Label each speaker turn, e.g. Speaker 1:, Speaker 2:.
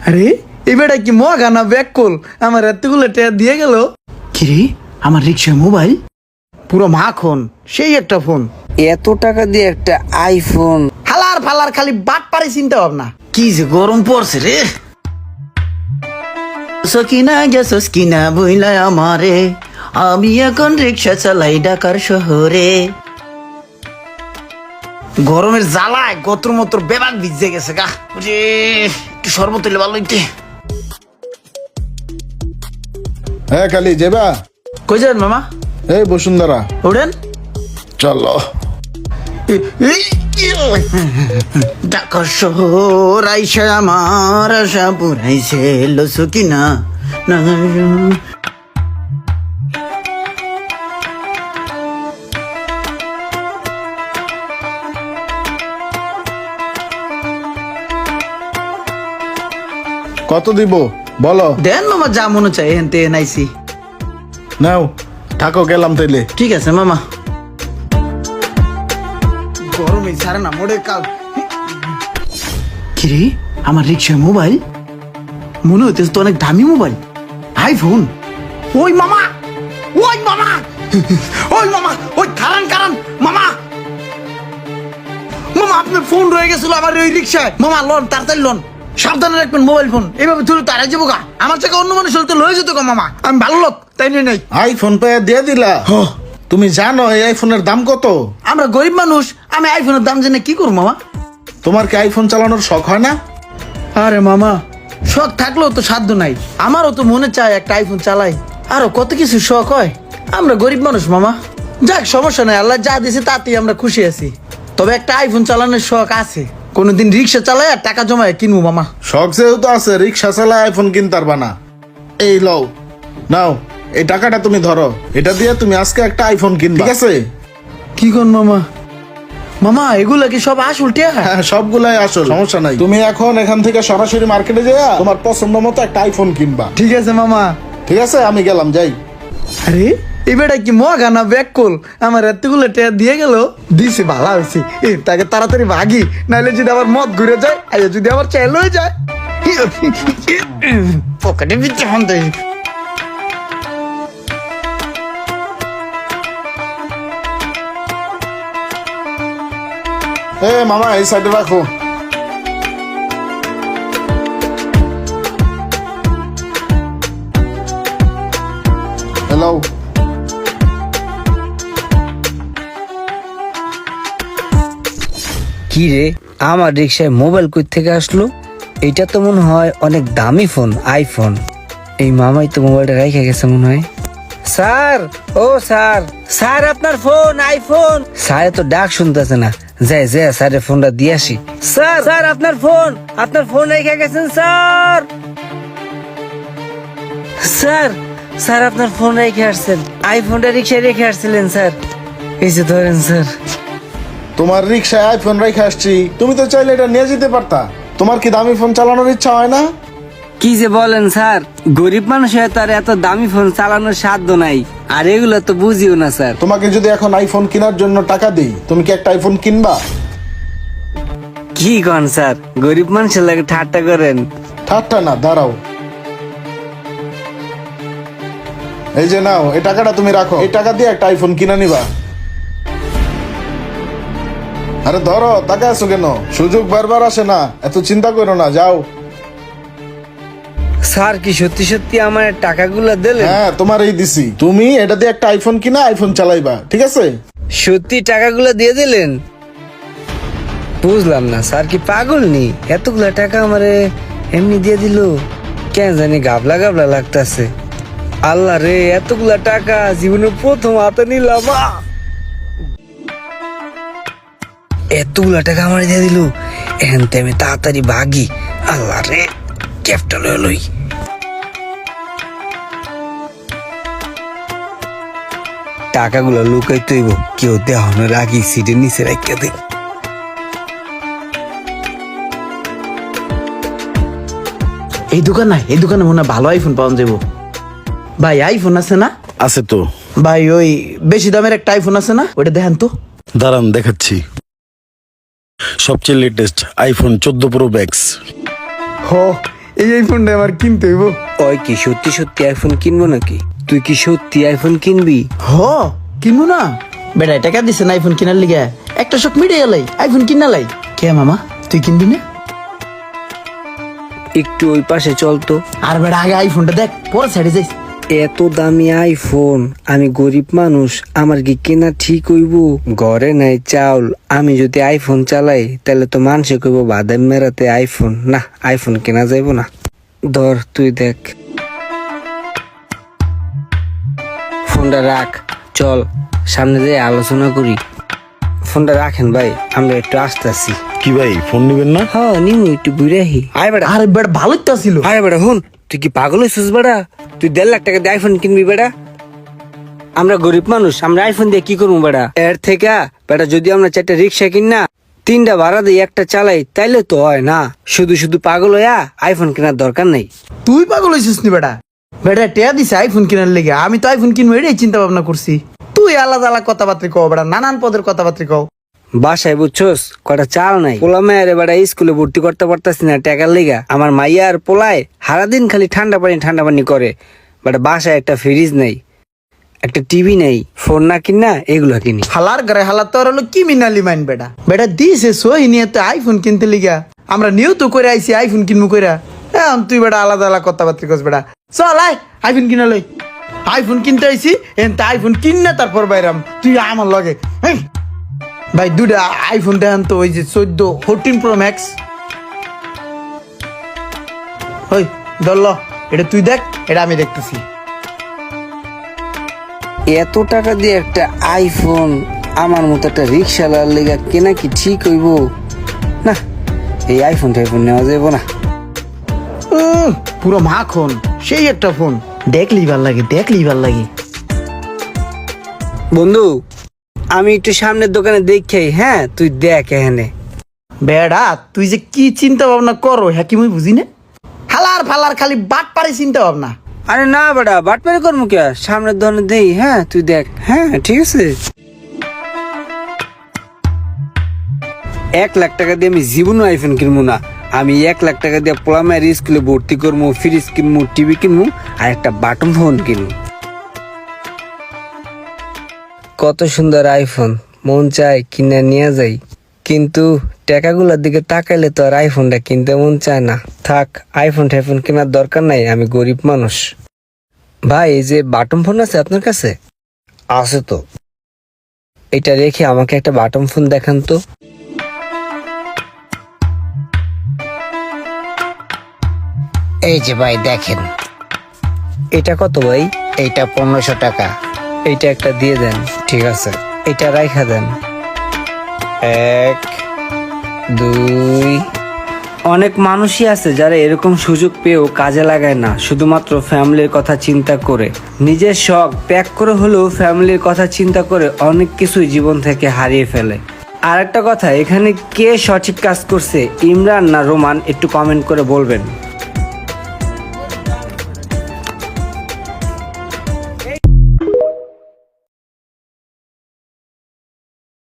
Speaker 1: আরে এবারে কি মগা না ব্যাক কল আমার এতগুলো টাকা দিয়ে গেল। কিরে আমার রিক্সায় মোবাইল পুরো মাখন, সেই একটা ফোন।
Speaker 2: এত টাকা দিয়ে একটা আইফোন?
Speaker 1: হালার ফালার খালি বাট পারে চিন্তা ভাবনা। কি যে গরম পড়ছে রে। সকিনা গেছস কিনা বইলা আমারে, আমি এখন রিক্সা চালাই ঢাকার শহরে। গরমের জ্বালায় গত্র মত্র বেবাক ভিজে গেছে গা রে। একটু শরবত হইলে ভালো হইতে।
Speaker 3: হ্যাঁ কালি যাবা?
Speaker 1: কই যান মামা?
Speaker 3: এই বসুন্ধরা।
Speaker 1: ওঠেন
Speaker 3: চলো।
Speaker 1: ঢাকার শহর আইসা আমার আশা পুরাইছে লসু কিনা না।
Speaker 3: কত দিব বলো?
Speaker 1: দেন মামা যা মনে চাই এখান থেকে নাইছি।
Speaker 3: নাও থাকো, গেলাম তাইলে।
Speaker 1: ঠিক আছে মামা। গরমে ছাড়ে না মোড়ে কাল। কিরে আমার রিক্সায় মোবাইল মনে হইতেছে তো অনেক দামি মোবাইল, আইফোন। ওই মামা, ওই মামা, ওই মামা, ওই কারণ কারণ মামা, মামা আপনার ফোন রয়ে গেছিল আমার ওই রিক্সায়। মামা লোন তাড়াতাড়ি লোন, সাবধানে রাখবেন মোবাইল ফোন। এইভাবে তুলে তারা যাবো গা। আমার থেকে অন্য মানুষ হলে তো লয়ে যেত গা মামা। আমি ভালো লোক তাই নিয়ে নাই।
Speaker 3: আইফোন পেয়ে দিয়ে দিলা? তুমি জানো এই আইফোনের দাম কত?
Speaker 1: আমরা গরিব মানুষ, আমি আইফোনের দাম জেনে কি করবো মামা?
Speaker 3: তোমার কি আইফোন চালানোর শখ হয় না?
Speaker 1: আরে মামা শখ থাকলেও তো সাধ্য নাই। আমারও তো মনে চায় একটা আইফোন চালাই, আরো কত কিছু শখ হয়। আমরা গরিব মানুষ মামা। যাক সমস্যা নাই, আল্লাহ যা দিয়েছে তাতেই আমরা খুশি আছি। তবে একটা আইফোন চালানোর শখ আছে, কোনোদিন রিক্সা চালাই আর টাকা জমায় কিনবো মামা।
Speaker 3: শখ যেহেতু আছে, রিক্সা চালায় আইফোন কিনতে পারবা না। এই লও, নাও এই টাকাটা তুমি ধরো, এটা দিয়ে তুমি আজকে একটা আইফোন কিনবে, ঠিক আছে?
Speaker 1: কি কোন মামা? মামা এগুলা কি সব আসল টিয়া?
Speaker 3: হ্যাঁ সবগুলাই আসল, সমস্যা নাই। তুমি এখন এখান থেকে সরাসরি মার্কেটে যাইয়া তোমার পছন্দ মতো একটা আইফোন কিনবা।
Speaker 1: ঠিক আছে মামা।
Speaker 3: ঠিক আছে, আমি গেলাম, যাই।
Speaker 1: আরে এবারে কি মগা না ব্যাক কল আমার এতগুলো টাকা দিয়ে গেল। দিছে ভালো হয়েছে, তাকে তাড়াতাড়ি ভাগি, নাহলে যদি আবার মদ ঘুরে যায়, আইয়া যদি আবার চেল হয়ে যায়। পকেটে বিচ্ছে ফোন দেয়।
Speaker 3: এ মামা এই সাইডে রাখো। হ্যালো।
Speaker 2: কি রে, আমার রিক্সায় মোবাইল কই থেকে আসলো? এটা তো মনে হয় অনেক দামি ফোন, আইফোন। এই মামাই তো মোবাইলটা রেখে গেছে মনে হয়। স্যার, ও স্যার, স্যার আপনার ফোন, আইফোন। স্যার তো ডাক শুনতেছে না, যাই যাই স্যারের ফোনটা দিয়ে আসি। স্যার, স্যার আপনার ফোন রেখে গেছেন স্যার। স্যার, স্যার আপনার ফোন রেখে আসছেন, আইফোনটা রিক্সায় রেখে আসছিলেন স্যার। এই যে ধরেন স্যার।
Speaker 3: তোমার রিক্সায় আইফোন রেখে আসছি, তুমি তো চাইলে এটা নিয়ে যেতে পারতা। তোমার কি দামি ফোন চালানোর ইচ্ছা হয় না?
Speaker 2: কি যে বলেন স্যার, গরিব মানুষ হয়ে তার এত দামি ফোন চালানোর সাধ্য নাই, আর এগুলো তো বুঝিও না স্যার।
Speaker 3: তোমাকে যদি এখন আইফোন কেনার জন্য টাকা দিই, তুমি কি একটা আইফোন কিনবা?
Speaker 2: কি কন স্যার, গরিব মানুষের লাগে ঠাট্টা করেন?
Speaker 3: ঠাট্টা না, দাঁড়াও। এই যে নাও, এই টাকাটা তুমি রাখো, এই টাকা দিয়ে একটা আইফোন কিনে নিবা। আরে ধরো, টাকা আছো কেন? সুযোগ বারবার আসে না, এত চিন্তা করো না, যাও।
Speaker 2: স্যার কি সত্যি সত্যি আমার টাকাগুলো দিলেন?
Speaker 3: হ্যাঁ তোমার এই দিছি, তুমি এটা দিয়ে একটা আইফোন কিনা আইফোন চালাইবা, ঠিক আছে?
Speaker 2: সত্যি টাকাগুলো দিয়ে দিলেন? বুঝলাম না, স্যার কি পাগল নি? এতগুলা টাকা আমারে এমনি দিয়ে দিল, কেন জানি গাবলা গাবলা লাগতাছে। আল্লাহ রে, এতগুলা টাকা জীবনে প্রথম হাতে নিলাম। এতগুলা টাকা আমার দিয়ে দিল, এখন তো আমি তাড়াতাড়ি ভাগি। আল্লাহ রে, ক্যাপটা লই। টাকাগুলো লুকাই তৈব, কেউ দেওয়ানোর আগে সিটের নিচে রাখিয়া দে।
Speaker 1: এই দোকান না, এই দোকানে মনে হয় ভালো আইফোন পাওয়া যাবো। ভাই আইফোন আছে না?
Speaker 4: আছে তো
Speaker 1: ভাই ওই বেশি দামের একটা আইফোন আছে না, ওটা দেখেন তো।
Speaker 4: দাঁড়ান দেখাচ্ছি। সবচেয়ে লেটেস্ট আইফোন 14 প্রো ম্যাক্স।
Speaker 1: হো এই ফোনটা আমার কিনতে হইব।
Speaker 2: ওই কি সত্যি সত্যি আইফোন কিনবো নাকি? তুই কি সত্যি আইফোন কিনবি?
Speaker 1: হ কিনবো না বেটা, টাকা দিছে না আইফোন কিনার লিগে, একটা শখ মিটে গেলাই আইফোন কিনালাই। কে মামা তুই কিনবি না?
Speaker 2: একটু ওই পাশে চল তো।
Speaker 1: আর বেটা আগে আইফোনটা দেখ, পরে সাইডে যাইস।
Speaker 2: এত দামি আইফোন, আমি গরিব মানুষ, আমার কি কেনা ঠিক হইব? ঘরে নাই চাউল, আমি যদি আইফোন চালাই তাহলে তো মানুষে কইব বাদাম মেরাতে আইফোন। না, আইফোন কেনা যাইব না। ধর তুই দেখ, ফোনটা রাখ, চল সামনে যেয়ে আলোচনা করি। ফোনটা রাখেন ভাই, আমরা একটু আসতেছি।
Speaker 3: কি ভাই ফোন নিবেন না?
Speaker 2: হ্যাঁ নিমু, একটু ঘুরে আহি। আয় বেটা,
Speaker 1: আরে বেটা ভালোই তো ছিল।
Speaker 2: আরে বেটা হুন, তুই কি পাগল হয়েছিস বেটা? তুই 1.5 লাখ টাকা দিয়ে আইফোন কিনবি বেটা? আমরা গরিব মানুষ, আমরা আইফোন দিয়ে কি করবো বেটা? এর থেকে বেটা যদি আমরা 4টা রিক্সা কিন না, 3টা ভাড়া দিয়ে একটা চালাই, তাইলে তো হয় না। শুধু শুধু পাগল হইয়া আইফোন কেনার দরকার নাই।
Speaker 1: তুই পাগল হয়েছিস নি বেটা? বেটা টেয়া দিছে আইফোন কিনার লেগে, আমি তো আইফোন কিনবো এটাই চিন্তা ভাবনা করছি। তুই আলাদা আলাদা কথাবার্তা কও বেটা, নানান পদের কথাবার্তা কও।
Speaker 2: বাসায় বুঝছোস কটা চাল নাই, পোলা মেয়ের বেটা স্কুলে ভর্তি করতে পারতাছি না টাকার লেগা। আমার মাইয়া আর পোলায় সারাদিন খালি ঠান্ডা পানি করে। বাট বাসায় একটা ফ্রিজ নেই, একটা টিভি নেই, ফোন না কিনা এগুলো কিনি।
Speaker 1: হালার ঘরে হালার তোর হলো কি মিনালি মাইন বেটা। বেটা দিছে সহি নিয়ে তো আইফোন কিনতে লিগা, আমরা নিয়েও তো করে আইছি আইফোন কিনবো কইরা। এখন তুই বেটা আলাদা আলাদা কথাবার্তা কস বেটা। চল আয় আইফোন কিনা লই। আইফোন কিনতে আইছি, এনতে আইফোন কিন না তারপর বাইরাম তুই আমার লগে। হেই, ভাই দুটা আইফোন দেখান তো, ওই যে 14 Pro Max। ওই ধরল, এটা তুই দেখ, এটা আমি দেখতেছি।
Speaker 2: এত টাকা দিয়ে একটা আইফোন আমার মতো একটা রিক্সাওয়ালার লেগা কেনা কি ঠিক হইব? না, এই আইফোন টাইফোন নেওয়া যাইব না।
Speaker 1: পুরো মাখন, সেই একটা ফোন, দেখলেই ভাল লাগে, দেখলেই ভাল লাগে।
Speaker 2: বন্ধু, আমি একটু সামনের দোকানে দেখি। হ্যাঁ তুই দেখ এখানে।
Speaker 1: বেড়া তুই যে কি চিন্তা ভাবনা করো হ্যাঁ কি মুই বুঝি না। হালার ফালার খালি বাট পারে চিন্তা ভাবনা।
Speaker 2: আরে না বেটা, বাটপারি করবো কে? সামনের দোকানে দেই। হ্যাঁ তুই দেখ। হ্যাঁ ঠিক আছে। 1 লাখ টাকা দিয়ে আমি জীবনও আইফোন কিনবো না। আমি 1 লাখ টাকা দিয়ে পোলামের স্কুলে ভর্তি করবো, ফ্রিজ কিনবো, টিভি কিনবো, আর একটা বাটন ফোন কিনবো। কত সুন্দর আইফোন, মন চায় কিনে নিয়ে যাই, কিন্তু টাকাগুলোর দিকে তাকাইলে তো আর আইফোনটা কিনতে মন চায় না। থাক, আইফোন টাইফোন কেনার দরকার নাই, আমি গরিব মানুষ। ভাই এই যে বাটন ফোন আছে আপনার কাছে? আছে তো। এটা রেখে আমাকে একটা বাটন ফোন দেখান তো।
Speaker 4: এই যে ভাই দেখেন,
Speaker 2: এটা কত ভাই?
Speaker 4: এইটা 1500 টাকা।
Speaker 2: এইটা একটা দিয়ে দেন। ঠিক আছে, এটা রাইখা দেন। 1 2। অনেক মানুষই আছে যারা এরকম সুযোগ পেয়েও কাজে লাগায় না, শুধুমাত্র ফ্যামিলির কথা চিন্তা করে। নিজের শখ ত্যাগ করে হলেও ফ্যামিলির কথা চিন্তা করে অনেক কিছুই জীবন থেকে হারিয়ে ফেলে। আর একটা কথা, এখানে কে সঠিক কাজ করছে, ইমরান না রোমান, একটু কমেন্ট করে বলবেন।